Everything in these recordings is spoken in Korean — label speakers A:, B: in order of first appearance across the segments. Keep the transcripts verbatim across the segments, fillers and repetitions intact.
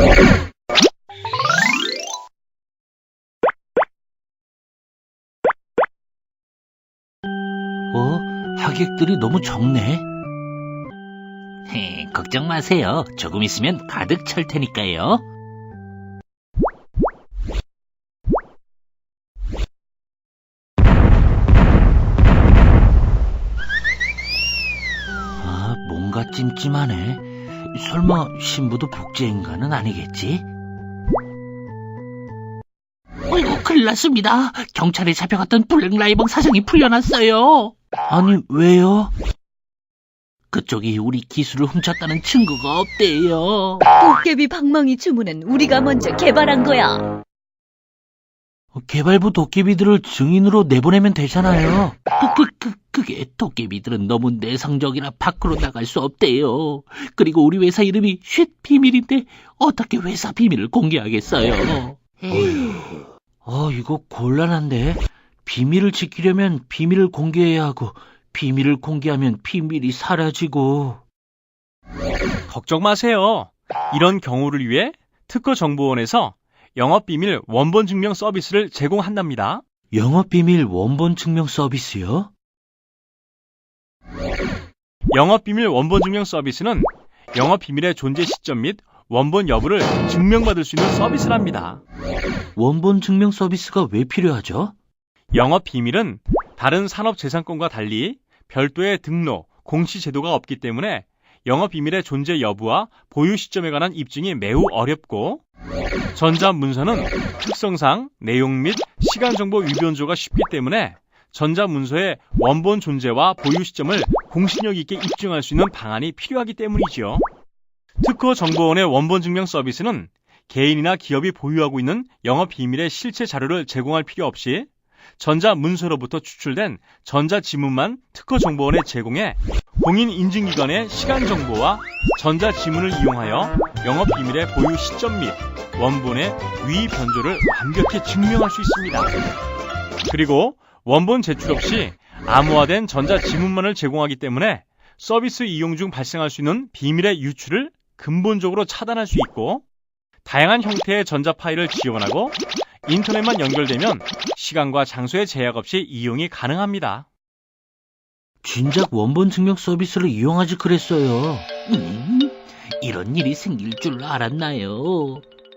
A: 어? 하객들이 너무 적네.
B: 헤, 걱정 마세요. 조금 있으면 가득 찰 테니까요.
A: 아, 뭔가 찜찜하네. 설마 신부도 복제인간은 아니겠지?
B: 어이구, 큰일 났습니다. 경찰에 잡혀갔던 블랙라이벙 사장이 풀려났어요.
A: 아니, 왜요?
B: 그쪽이 우리 기술을 훔쳤다는 증거가 없대요.
C: 도깨비 방망이 주문은 우리가 먼저 개발한 거야.
A: 개발부 도깨비들을 증인으로 내보내면 되잖아요.
B: 그, 그, 그게 도깨비들은 너무 내성적이라 밖으로 나갈 수 없대요. 그리고 우리 회사 이름이 쉿 비밀인데 어떻게 회사 비밀을 공개하겠어요?
A: 어, 이거 곤란한데? 비밀을 지키려면 비밀을 공개해야 하고, 비밀을 공개하면 비밀이 사라지고.
D: 걱정 마세요. 이런 경우를 위해 특허정보원에서 영업비밀 원본 증명 서비스를 제공한답니다.
A: 영업비밀 원본 증명 서비스요?
D: 영업비밀 원본 증명 서비스는 영업비밀의 존재 시점 및 원본 여부를 증명받을 수 있는 서비스랍니다.
A: 원본 증명 서비스가 왜 필요하죠?
D: 영업비밀은 다른 산업재산권과 달리 별도의 등록, 공시 제도가 없기 때문에 영업비밀의 존재 여부와 보유 시점에 관한 입증이 매우 어렵고, 전자문서는 특성상 내용 및 시간정보 위변조가 쉽기 때문에 전자문서의 원본 존재와 보유 시점을 공신력 있게 입증할 수 있는 방안이 필요하기 때문이지요. 특허정보원의 원본 증명 서비스는 개인이나 기업이 보유하고 있는 영업비밀의 실체 자료를 제공할 필요 없이 전자문서로부터 추출된 전자지문만 특허정보원에 제공해 공인인증기관의 시간정보와 전자지문을 이용하여 영업비밀의 보유 시점 및 원본의 위의 변조를 완벽히 증명할 수 있습니다. 그리고 원본 제출 없이 암호화된 전자지문만을 제공하기 때문에 서비스 이용 중 발생할 수 있는 비밀의 유출을 근본적으로 차단할 수 있고, 다양한 형태의 전자 파일을 지원하고 인터넷만 연결되면 시간과 장소의 제약 없이 이용이 가능합니다.
A: 진작 원본 증명 서비스를 이용하지 그랬어요.
B: 음, 이런 일이 생길 줄 알았나요?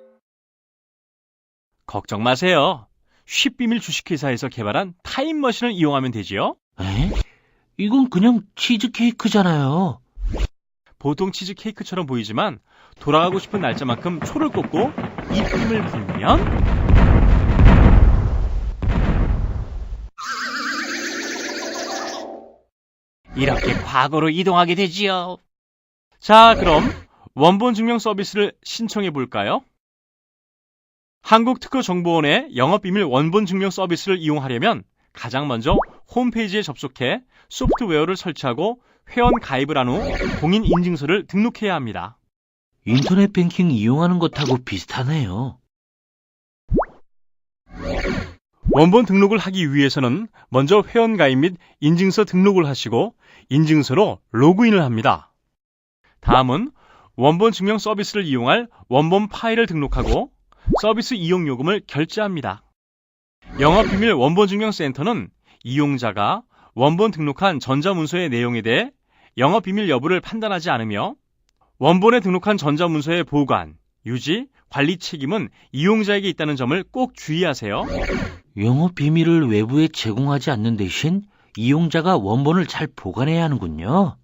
D: 걱정 마세요. 쉽비밀 주식회사에서 개발한 타임머신을 이용하면 되지요.
A: 에? 이건 그냥 치즈케이크잖아요.
D: 보통 치즈케이크처럼 보이지만 돌아가고 싶은 날짜만큼 초를 꽂고 입힘을 불면
B: 이렇게 과거로 이동하게 되지요.
D: 자, 그럼 원본 증명 서비스를 신청해 볼까요? 한국특허정보원의 영업비밀 원본 증명 서비스를 이용하려면 가장 먼저 홈페이지에 접속해 소프트웨어를 설치하고 회원 가입을 한 후 공인인증서를 등록해야 합니다.
A: 인터넷 뱅킹 이용하는 것하고 비슷하네요.
D: 원본 등록을 하기 위해서는 먼저 회원 가입 및 인증서 등록을 하시고 인증서로 로그인을 합니다. 다음은 원본 증명 서비스를 이용할 원본 파일을 등록하고 서비스 이용 요금을 결제합니다. 영업비밀 원본증명센터는 이용자가 원본 등록한 전자문서의 내용에 대해 영업비밀 여부를 판단하지 않으며 원본에 등록한 전자문서의 보관, 유지, 관리 책임은 이용자에게 있다는 점을 꼭 주의하세요.
A: 영업 비밀을 외부에 제공하지 않는 대신 이용자가 원본을 잘 보관해야 하는군요.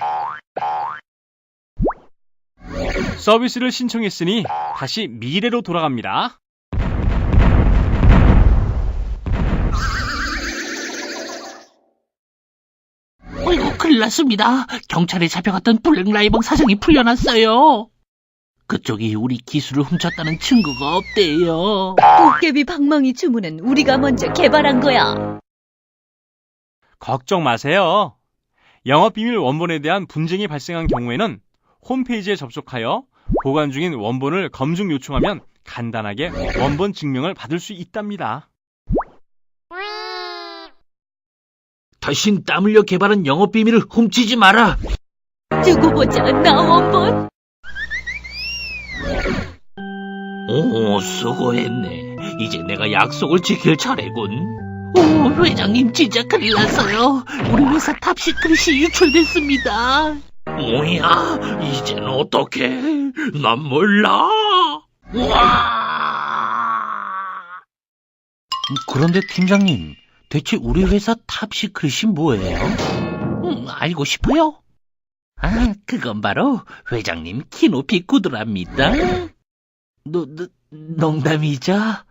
D: 서비스를 신청했으니 다시 미래로 돌아갑니다.
B: 어이구, 큰일 났습니다. 경찰에 잡혀갔던 블랙라이벙 사장이 풀려났어요. 그쪽이 우리 기술을 훔쳤다는 증거가 없대요.
C: 도깨비 방망이 주문은 우리가 먼저 개발한 거야.
D: 걱정 마세요. 영업비밀 원본에 대한 분쟁이 발생한 경우에는 홈페이지에 접속하여 보관 중인 원본을 검증 요청하면 간단하게 원본 증명을 받을 수 있답니다.
A: 다신 땀 흘려 개발한 영업 비밀을 훔치지 마라.
C: 두고 보자, 나 원본.
B: 오, 수고했네. 이제 내가 약속을 지킬 차례군. 오, 회장님 진짜 큰일 났어요. 우리 회사 탑시크릿이 유출됐습니다. 뭐야, 이젠 어떡해? 난 몰라. 와!
A: 그런데 팀장님, 대체 우리 회사 탑시크릿이 뭐예요?
B: 음, 알고 싶어요? 아, 그건 바로 회장님 키높이 구두랍니다.
A: 너, 너, 농담이죠?